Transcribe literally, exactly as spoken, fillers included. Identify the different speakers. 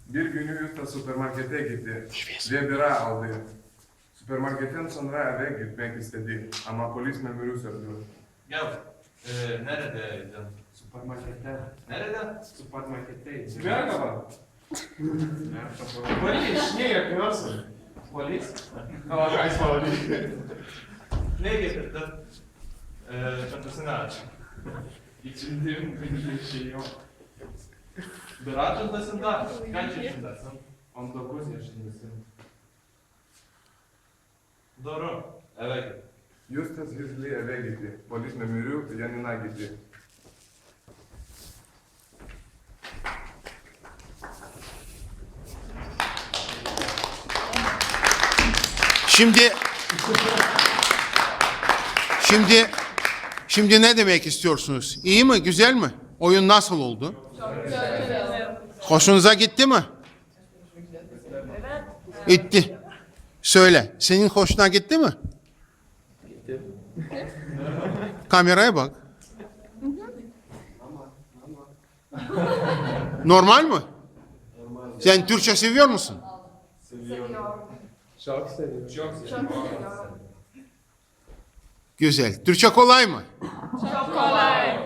Speaker 1: Bir günü Usta süpermarkete gitti ve bira aldı. Süpermarketten sonra eve gitmek istedi ama polis memuru sordu.
Speaker 2: Ya e, neredeydin?
Speaker 3: Süpermarkette.
Speaker 2: Nerede?
Speaker 3: Süpermarketteyiz.
Speaker 1: Merhaba.
Speaker 3: Polis, ne yapıyorsun? Polis? Ama guys falan değil.
Speaker 2: Ne getirdin? E, çantasını aç.
Speaker 3: İçinde bir şey yok.
Speaker 2: Bira çantasında kaç yaşındasın?
Speaker 3: on dokuz yaşındasın.
Speaker 2: Doğru. Evet.
Speaker 1: Justus hızlı eve gitti. Polis memuru yanına gitti.
Speaker 4: Şimdi Şimdi Şimdi ne demek istiyorsunuz? İyi mi? Güzel mi? Oyun nasıl oldu? Hoşunuza gitti mi? Gitti. Söyle. Senin hoşuna gitti mi?
Speaker 3: Gitti.
Speaker 4: Kameraya bak. Normal mi? Sen Türkçe seviyor musun?
Speaker 3: Çok seviyorum. Çok seviyorum.
Speaker 4: Güzel. Türkçe kolay mı?
Speaker 5: Çok kolay.